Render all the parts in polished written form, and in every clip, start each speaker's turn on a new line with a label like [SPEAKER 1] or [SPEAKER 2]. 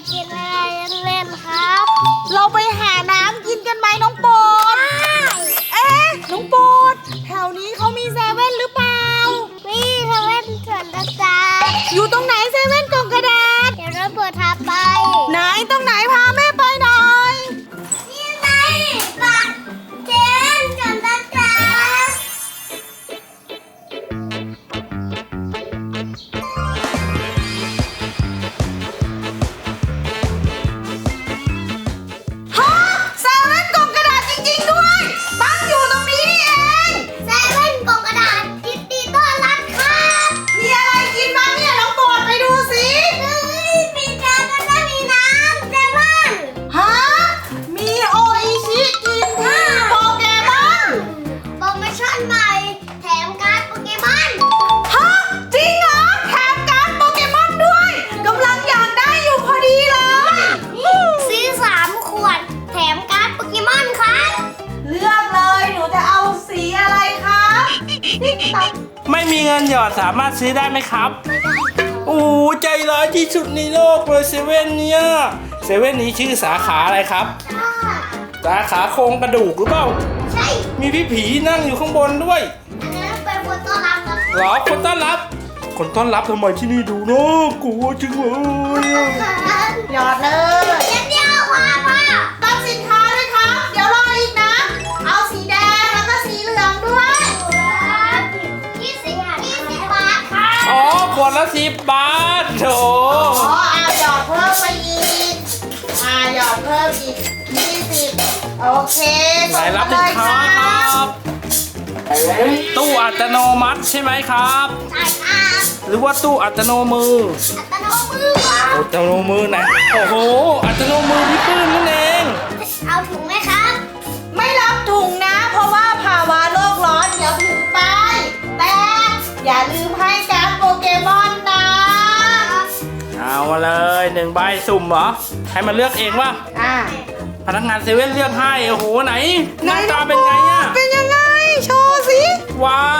[SPEAKER 1] กินอะไรเล่นๆครับ
[SPEAKER 2] เราไปหาน้ำกินกันไหมน้องโปรดน้องโปรดแถวนี้เขามีเซเว่นหรือเปล่า
[SPEAKER 1] นี่เซเว่นสวนตะการ
[SPEAKER 2] อยู่ตรงไหนเซเว่นกล่องกระดาษ
[SPEAKER 1] เดี๋ยวเราเปิดทางไป
[SPEAKER 2] ไหนตรงไหนพาแม่ไปหน่อย
[SPEAKER 1] นี่ไงบัตรเจนสวนตะการ
[SPEAKER 2] ฮะเซเว่นกล่องกระดาษจริงๆด้วยตั้งอยู่ตรงนี้นี่เอง
[SPEAKER 1] เซเว่นกล่องกระดาษยินดีต้อนรับครับ
[SPEAKER 2] มีอะไรกินบ้างเนี่ยน้องโปรดไปดูสิ
[SPEAKER 1] เฮ้ยมีจานแล้วก็มีน้ำเซเว่น
[SPEAKER 2] ฮะมีโออิชิกินที่โปเกมอน
[SPEAKER 1] โปรโมชั่นใหม่แถมการ์ดโปเกมอน
[SPEAKER 2] ฮะจริงเหรอแถมการ์ดโปเกมอนด้วยกำลังอยากได้อยู่พอดีเลย
[SPEAKER 1] ซื้อ3 ขวดแถมการ์ดโปเกมอนครับ
[SPEAKER 2] เลือกเลยหนูจะเอาสีอะไรครับติ๊กตัก
[SPEAKER 3] ไม่มีเงินหยอดสามารถซื้อได้ไหมครับโอ้ใจร้ายที่สุดในโลกเลยเซเว่นเนี่ยเซเว่นนี้ชื่อสาขาอะไรครับ สาขาโครงกระดูกหรือเปล่า
[SPEAKER 1] ใช่
[SPEAKER 3] มีพี่ผีนั่งอยู่ข้างบนด้วย
[SPEAKER 1] อันนั้นเป็นคนต้อนรับครับ
[SPEAKER 3] เหรอคนต้อนรับ คนต้อนรับทำไมที่นี่ดูน่ากลัวจังเลยอะ
[SPEAKER 2] หยอดเลย
[SPEAKER 1] เดียวพอพ่อ
[SPEAKER 2] รับสินค้าด้วยครับ เดี๋ยวรออีกนะ เอาสีแดงแล้วก็สีเหลืองด้วย
[SPEAKER 1] 20 บาทค่ะ
[SPEAKER 3] อ๋อขวดละ10 บาทโถ
[SPEAKER 2] อ๋อหยอดเพิ่มไปอีกหยอดเพิ่มอีก20โอเค
[SPEAKER 3] ไหนรับสินค้าครับ ตู้อัตโนมัติใช่ไหมครับ
[SPEAKER 1] ใช่ครับ
[SPEAKER 3] หรือว่าตู้อัตโนมือ
[SPEAKER 1] อัตโนมือครับ
[SPEAKER 3] อัตโนมือไหนโอ้โห อัตโนมือพี่ปื้มนั่นเอง
[SPEAKER 1] เอาถุงไหมครับ
[SPEAKER 2] ไม่รับถุงนะ เพราะว่าภาวะโลกร้อนเดี๋ยวถุงไป แต่อย่าลืมให้การ์ดโปเกมอนนะ
[SPEAKER 3] เอามาเลย1 ใบสุ่มเหรอ ให้มันเลือกเองว่า
[SPEAKER 2] อ่ะ
[SPEAKER 3] พนักงานเซเว่นเลือกให้ โอ้โห ไหน หน้าตาเป็นไงอะ
[SPEAKER 2] เป็นยังไง โชว์สิ
[SPEAKER 3] ว้าว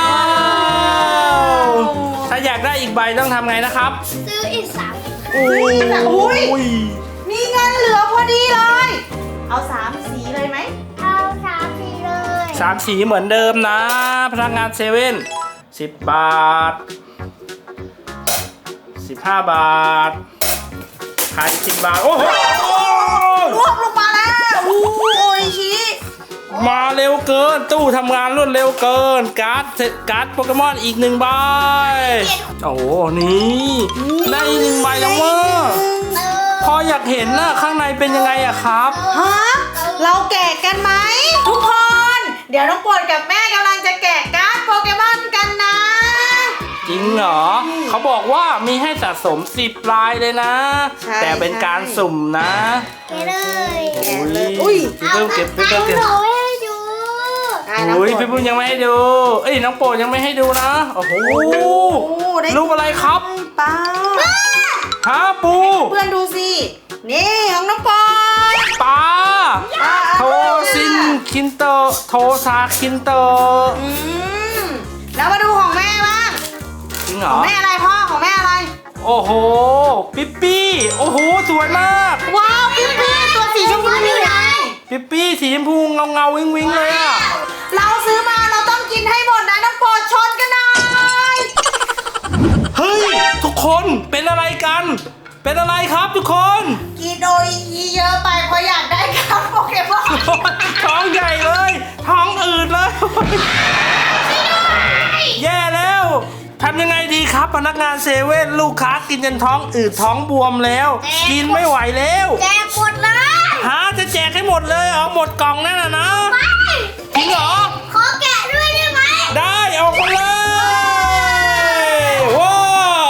[SPEAKER 3] ถ้าอยากได้อีกใบต้องทำไงนะครับ
[SPEAKER 1] ซื้ออีก3
[SPEAKER 3] โอ้ย
[SPEAKER 2] มีเงินเหลือพอดีเลย เอา3สีเลยไหม
[SPEAKER 1] เอา3 สีเลย
[SPEAKER 3] 3 สีเหมือนเดิมนะ พนักงานเซเว่น10 บาท 15 บาทขาย10 บาท โอ้โห
[SPEAKER 2] รวบลงมาแล้วโอ้ยชิ
[SPEAKER 3] มาเร็วเกิน ตู้ทำงานรวดเร็วเกิน การ์ดโปเกมอนอีก1 ใบ โอ้โห นี่ได้อีก1 ใบแล้วว่าพออยากเห็นนะข้างในเป็นยังไงอะครับ
[SPEAKER 2] ฮะ เราแกะกันไหม ทุกคน เดี๋ยวน้องปวดกับแม่กำลังจะแกะการ์ดโปเกมอนกันนะ
[SPEAKER 3] จริงเหรอ เขาบอกว่ามีให้สะสม10 ลายเลยนะ
[SPEAKER 2] ใช่
[SPEAKER 3] แต่เป็นการสุ่มนะ
[SPEAKER 1] เกเลย
[SPEAKER 2] อุ้ย
[SPEAKER 3] พี่เพิ่มเก็บพี่
[SPEAKER 1] เอา
[SPEAKER 3] เพิ่มเก็บ
[SPEAKER 1] หนูให้ดู
[SPEAKER 3] อุ้ยพี่เพิ่มยังไม่ให้ดู เอ้ยน้องโปรดยังไม่ให้ดูนะ โอ้โห
[SPEAKER 2] ได้
[SPEAKER 3] รูปอะไรครับ
[SPEAKER 2] ปลา
[SPEAKER 3] ฮะปู
[SPEAKER 2] เพื่อนดูสิ นี่ของน้องปอย
[SPEAKER 3] ปลา
[SPEAKER 2] ปลา
[SPEAKER 3] โทซินคินเตอร์โทซาคินเตอร์
[SPEAKER 2] อืมแล้วมาดูของแม่บ้าง
[SPEAKER 3] จริงเหร
[SPEAKER 2] ขอ
[SPEAKER 3] อ
[SPEAKER 2] งแม่อะไรพ่อของแม่อะไร
[SPEAKER 3] โอ้โห ปิ๊ปปี้ โอ้โห สวยมาก
[SPEAKER 2] ว้าวปิ๊ปปี้ตัวสีชมพูนี่ไง
[SPEAKER 3] ปิ๊ปปี้สีชมพูเงาวิงวิงเลยอะ
[SPEAKER 2] เราซื้อมาเราต้องกินให้หมดนะน้องโปรดชนกันหน่อย
[SPEAKER 3] เฮ้ย ทุกคนเป็นอะไรกัน เป็นอะไรครับทุกคน
[SPEAKER 2] กินโออิชิเยอะไปเพราะอยากได้การ์ดโปเกมอน
[SPEAKER 3] ท้องใหญ่เลย ท้องอืดเลย แย่แล้วทำยังไงดีครับพนักงานเซเว่นลูกค้ากินจนท้องอืดท้องบวมแล้ว กินไม่ไหวแล้ว
[SPEAKER 1] แจกหมดเลย
[SPEAKER 3] ฮะจะแจกให้หมดเลยเหรอหมดกล่องนั่นน่ะนะ
[SPEAKER 1] ไป
[SPEAKER 3] จริงเหรอ
[SPEAKER 1] ขอแกะด้วยได้ไหม
[SPEAKER 3] ได้เอาไปเลยว้าว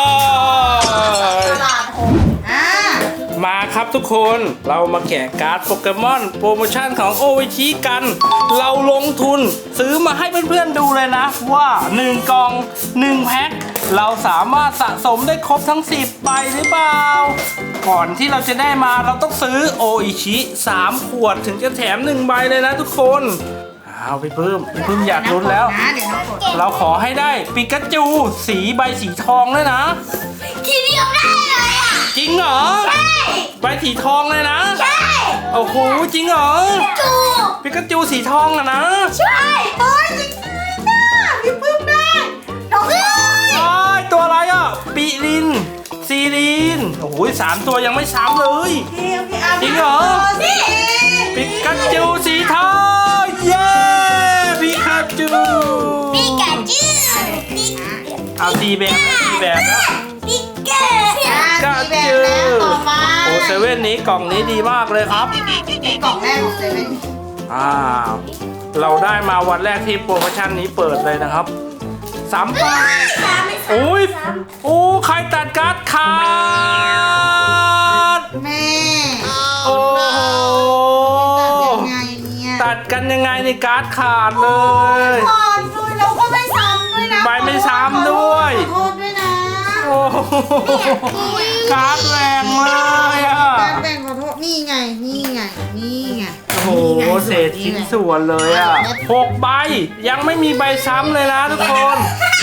[SPEAKER 2] ตลาดผม
[SPEAKER 3] มาครับทุกคนเรามาแกะการ์ดโปเกมอนโปรโมชั่นของโอวิชิกัน เราลงทุนซื้อมาให้เพื่อนๆดูเลยนะว่า1 กล่อง 1 แพ็คเราสามารถสะสมได้ครบทั้ง10 ใบหรือเปล่า ก่อนที่เราจะได้มาเราต้องซื้อโออิชิ3 ขวดถึงจะแถม1 ใบเลยนะทุกคนเอาพี่ปื้มอยากลุ้นแล้ว
[SPEAKER 2] นะเดี๋ยวน้องกด
[SPEAKER 3] เราขอให้ได้ปิกาจูสีใบสีทองด้วยนะ
[SPEAKER 1] ทีเดียวได้เลยอ่ะ
[SPEAKER 3] จริงเหรอ
[SPEAKER 1] ใช่
[SPEAKER 3] ใบสีทองเลยนะ
[SPEAKER 1] ใช่
[SPEAKER 3] โอ้โหจริงเหรอ
[SPEAKER 1] จู
[SPEAKER 3] ปิกาจูสีทองอะนะ
[SPEAKER 1] ใช่
[SPEAKER 2] โอ้ยจริงเลยนะพี่ปื้มได้
[SPEAKER 1] น้องเอ้ย
[SPEAKER 3] ว้ายตัวอะไรอ่ะปิลินซีลินโอ้โห3 ตัวยังไม่ซ้ำเลย
[SPEAKER 2] พี่อา
[SPEAKER 3] จริงเหรอ
[SPEAKER 2] นี่
[SPEAKER 3] ปิกาจูสีทองเย้ปิกาจู
[SPEAKER 1] ปิกาจูปิก
[SPEAKER 3] เอาสีแบบนะสีแบบนะ
[SPEAKER 1] ปิกา
[SPEAKER 3] ก็
[SPEAKER 2] แบบ
[SPEAKER 3] จื
[SPEAKER 2] แล้วต่อมา
[SPEAKER 3] โอ้เซเว่นนี้กล่องนี้ดีมากเลยครับ
[SPEAKER 2] กล่องแรกของเซเว่น
[SPEAKER 3] อ้าวเราได้มาวันแรกที่โปรโมชั่นนี้เปิดเลยนะครับ3 ไป
[SPEAKER 1] สามไม่สาม
[SPEAKER 3] โอ้ย
[SPEAKER 1] สาม
[SPEAKER 3] โอ้ใครตัดการ์ดขาด
[SPEAKER 2] แม่
[SPEAKER 3] โอ้โห
[SPEAKER 2] ยังไงเนี่ย
[SPEAKER 3] ตัดกันยังไงในการ์ดขาดเลย
[SPEAKER 2] ขอด้วยแล้วก็ไม่ซ้ำด้วยนะ
[SPEAKER 3] ใบไม่ซ้ำด้วย
[SPEAKER 2] ขอโทษด้วยนะ
[SPEAKER 3] โอ้โหการ์ดแรงเลยอ่ะ
[SPEAKER 2] การแบ่งขอโทษนี่ไงนี่ไงนี่ไง
[SPEAKER 3] โอ้โหเศษชิ้นส่วนเลยอ่ะ6 ใบยังไม่มีใบซ้ำเลยนะทุกคน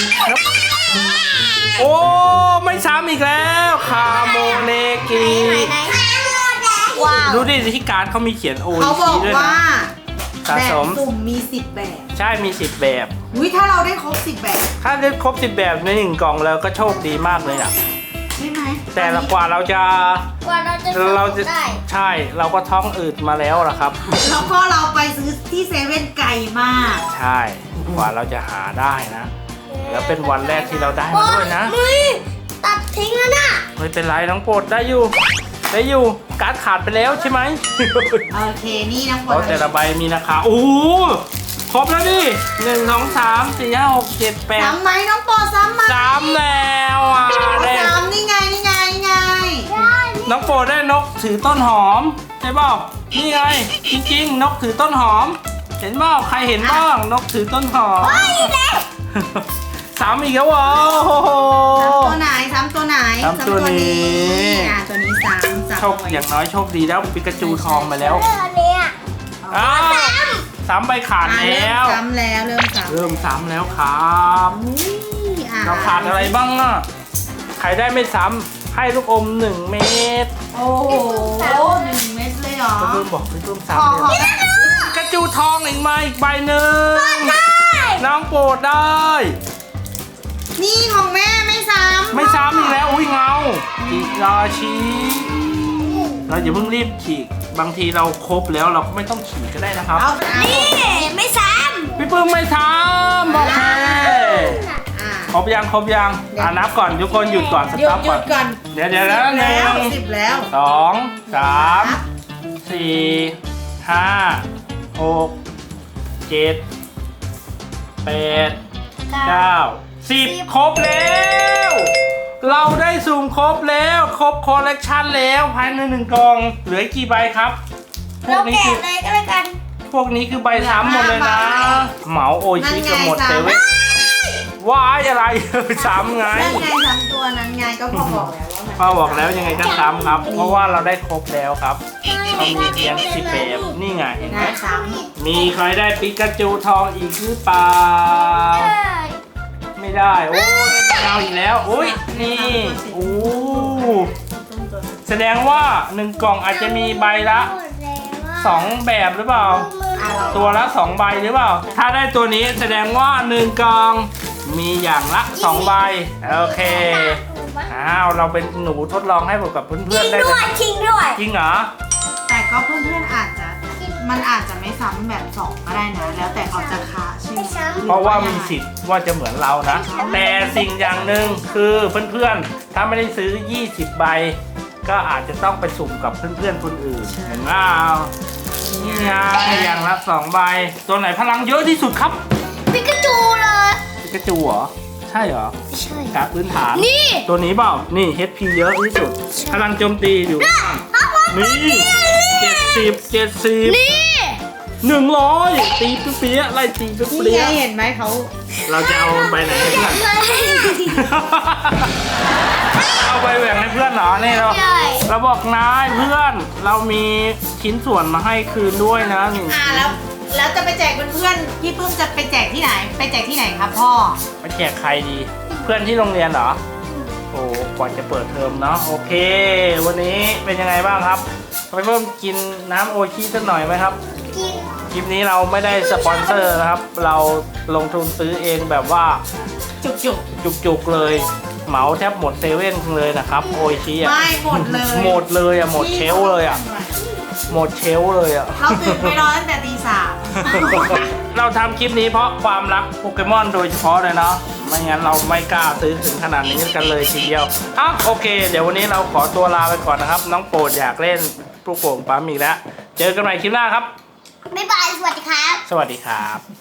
[SPEAKER 3] โอ้ไม่ซ้ำอีกแล้วคาโมเนกิ
[SPEAKER 1] ว้าว
[SPEAKER 3] ดูดิที่การ์ดเขามีเขียนโอ
[SPEAKER 2] เขาบอก
[SPEAKER 3] ด้วย
[SPEAKER 2] ว่า
[SPEAKER 3] นะสะ
[SPEAKER 2] แบบ
[SPEAKER 3] สม
[SPEAKER 2] สุ่มมี10แบบ
[SPEAKER 3] ใช่มี10 แบบ
[SPEAKER 2] อุ้ยถ้าเราได้ครบ10แบบ
[SPEAKER 3] ถ้าได้ครบ10 แบบใน1 กล่องแล้วก็โชคดีมากเลยอ่ะ
[SPEAKER 2] ใช่ไหม
[SPEAKER 3] แต่ละกว่าเราจะ
[SPEAKER 1] กว่าเราจะ
[SPEAKER 3] เรา
[SPEAKER 1] สุ่
[SPEAKER 3] จะ
[SPEAKER 1] มได้
[SPEAKER 3] ใช่เราก็ท้องอืดมาแล้วล่ะครับ
[SPEAKER 2] แล้วก็เราไปซื้อที่เซเว่นไกลมาก
[SPEAKER 3] ใช่กว่าเราจะหาได้นะ แล้วเป็นวันแรกที่เราได้มาด้วยนะ
[SPEAKER 1] มึยตัดทิ้งแล้วน่ะ
[SPEAKER 3] ไม่เป็นไรน้องโปรดได้อยู่ได้อยู่การ์ดขาดไปแล้วใช่ไหม
[SPEAKER 2] โอเคนี่น้อง
[SPEAKER 3] เพราะแต่ละใบมีราคาโอ้โหครบแล้วดิ1 2 3 4 5 6 7 8
[SPEAKER 2] ซ้ำไหมน้องปอซ้ำไหม
[SPEAKER 3] 3แล้วอ่ะได้
[SPEAKER 2] ซ้ำนี่ไงนี่ไงนี่ไง
[SPEAKER 3] น้องโปรดได้นกถือต้นหอมใช่เปล่านี่ไงจริงๆ นกถือต้นหอม เห็นเปล่าใครเห็นบ้างนกถือต้นหอม 3อีกแล้วเหรอโอ้โห
[SPEAKER 2] ตัวไหนซ้ำตัวไหน
[SPEAKER 3] ซ้ำตัวนี้
[SPEAKER 2] ตัวนี้ซ้ำ
[SPEAKER 3] โชคอย่างน้อยโชคดีแล้วปิกาจูทองมาแล้ว
[SPEAKER 1] เรื่องอันเนี้ย
[SPEAKER 3] อ้าวซ้ำใบขาด
[SPEAKER 2] เริ่
[SPEAKER 3] แล้ว
[SPEAKER 2] มซ้ำแล้วเริ่มซ้ำ
[SPEAKER 3] เริ่มซ้ำแล้วครับ เรา
[SPEAKER 2] เรา
[SPEAKER 3] ขาดอะไรบ้างอ่ะใครได้ไม่ซ้ำให้ลูกอม1 เม็ด
[SPEAKER 2] โอ้โห1 เม็ดเลยเหรอ
[SPEAKER 3] พี่ปื้มบอกพี่ปื้ม
[SPEAKER 2] ขอ
[SPEAKER 3] ซ้ำ
[SPEAKER 2] ขอ
[SPEAKER 3] เลยปิกาจูทองอีกมาอีกใบหนึ่งน้องโปรดได้
[SPEAKER 2] นี่ของแม่ไม่ซ้ำ
[SPEAKER 3] ไม่ซ้ำอีกแล้วอุ้ยเงาจิราชีเราอย่าเพิ่งรีบฉีกบางทีเราครบแล้วเราก็ไม่ต้องฉีกก็ได้นะครับ
[SPEAKER 2] เอานี่
[SPEAKER 1] นี่ไม่ซ้
[SPEAKER 3] พี่ปื้มไม่ทำโอเค
[SPEAKER 2] อ่า
[SPEAKER 3] ครบยังนับก่อนทุกคนหยุดก่อนส
[SPEAKER 2] หยุ
[SPEAKER 3] ต็อ
[SPEAKER 2] ด
[SPEAKER 3] ป
[SPEAKER 2] หยุ
[SPEAKER 3] ก่อน
[SPEAKER 2] ดก่อน
[SPEAKER 3] เดี๋ยวนะ
[SPEAKER 2] 10
[SPEAKER 3] หนึ่
[SPEAKER 2] แล้ว
[SPEAKER 3] ง
[SPEAKER 2] 10แล้ว
[SPEAKER 3] 2 3 4 5 6 7 8 9 10 ครบแล้ว เราได้สุ่มครบแล้วครบคอลเลกชันแล้วภายใน1 กล่องเหลือกี่ใบครับ
[SPEAKER 1] ำ
[SPEAKER 3] พว
[SPEAKER 1] เรา
[SPEAKER 3] กนี้
[SPEAKER 1] แกะ
[SPEAKER 3] คือ
[SPEAKER 1] เลยก็แล้วกัน
[SPEAKER 3] พวกนี้คือใบซ้ำหมดเลยนะ เหมาโอชิกันหมด
[SPEAKER 2] นั่นไง
[SPEAKER 3] เซเว่นว้ายอะไร ซ้ำไง
[SPEAKER 2] นั่นไงซ้ำตัวนั้นไงก็พอบอกแล้วว่ามัน
[SPEAKER 3] ป้าบอกแล้วยังไงก็ซ้ำครับ เพราะว่าเราได้ครบแล้วครับเขามีเพียง10 แบบนี่ไงเห็นไหม
[SPEAKER 2] น่าซ้
[SPEAKER 3] มีใครได้ปิกาจูทองอีกหรือเปล่า ไม่ได้ โอ้ได้ไปเอาอีกแล้วอุ้ยนี่โอ้แสดงว่า1 กล่องอาจจะมีใบละ 2 แบบหรือเปล่า ตัวละ2 ใบหรือเปล่า ถ้าได้ตัวนี้แสดงว่า1 กล่องมีอย่างละ2 ใบโอเคอ้าวเราเป็นหนูทดลองให้ผมกับเพื่อนๆได้
[SPEAKER 1] ด้
[SPEAKER 3] เล
[SPEAKER 1] วย
[SPEAKER 3] ย
[SPEAKER 1] ทิ้งด้วย
[SPEAKER 3] จริงเหรอ
[SPEAKER 2] ำแต่ก็เพื่อนๆอาจจะมันอาจจะไม่ซ้ำแบบ2ก็ได้นะ แล้วแต่เขาจะคะใช่ไหม
[SPEAKER 1] ไม่ซ้ำ
[SPEAKER 3] เพราะว่ามีสิทธิ์ว่าจะเหมือนเรานะ แต่สิ่งอย่างหนึ่งคือเพื่อนๆ ถ้าไม่ได้ซื้อ 20 ใบ ก็อาจจะต้องไปสุ่มกับเพื่อนๆคนอื่นเห็นไหมนี่ไงอย่างละ2 ใบ ตัวไหนพลังเยอะที่สุดครับ
[SPEAKER 1] ปิกาจูเลย
[SPEAKER 3] ปิกาจูเหรอ ใช่เหรอ
[SPEAKER 1] ไม่ใช่
[SPEAKER 3] การพื้นฐาน
[SPEAKER 1] นี่
[SPEAKER 3] ตัวนี้เปล่า นี่ HP เยอะที่สุด พลังโจมตีอยู่ นี่70
[SPEAKER 1] นี่
[SPEAKER 3] 100 ตีเปี้ยๆไล่ตีเปี้
[SPEAKER 2] นี่
[SPEAKER 3] ย
[SPEAKER 2] ไงเห็นไหมเขา
[SPEAKER 3] ๆเราจะเอาใบไหนให้เพื่อน เอาใบแหว่งให้เพื่อนเหรอนี่เรา
[SPEAKER 1] ใช่
[SPEAKER 3] เราบอกนายเพื่อนเรามีชิ้นส่วนมาให้คืนด้วยนะหนึ่ง
[SPEAKER 2] แล้วจะไปแจกเพื่อนๆพี่ปื้มจะไปแจกที่ไหน ไปแจกที่ไหนครับพ่อ
[SPEAKER 3] ไปแจกใครดี เพื่อนที่โรงเรียนเหรอโอ้กว่าจะเปิดเทอมเนาะโอเค วันนี้เป็นยังไงบ้างครับไปเพิ่มกินน้ำโอชิสักหน่อยไหมครับ
[SPEAKER 1] กิน
[SPEAKER 3] คลิปนี้เราไม่ได้สปอนเซอร์นะครับ เราลงทุนซื้อเองแบบว่า
[SPEAKER 2] จุก
[SPEAKER 3] จุกๆเลย เหมาแทบหมดเซเว่นเลยนะครับโอชิ
[SPEAKER 2] ๆ
[SPEAKER 3] อ่ะ
[SPEAKER 2] ไม่หมดเลย
[SPEAKER 3] หมดเลยอ่ะหมดเชลฟ์เลยอ่ะหมดเชลฟ์เลยอ่ะ
[SPEAKER 2] เราตื่นไปรอตั้งแต่ตี 3
[SPEAKER 3] เราทำคลิปนี้เพราะความรักโปเกมอนโดยเฉพาะเลยเนาะไม่งั้นเราไม่กล้าซื้อถึงขนาดนี้กันเลยทีเดียวโอเค เดี๋ยววันนี้เราขอตัวลาไปก่อนนะครับ น้องโปรดอยากเล่นลูกโป่งปั๊มอีกแล้วเจอกันใหม่คลิปหน้าครับ
[SPEAKER 1] บ๊ายบาย สวัสดีครับ
[SPEAKER 3] สวัสดีครับ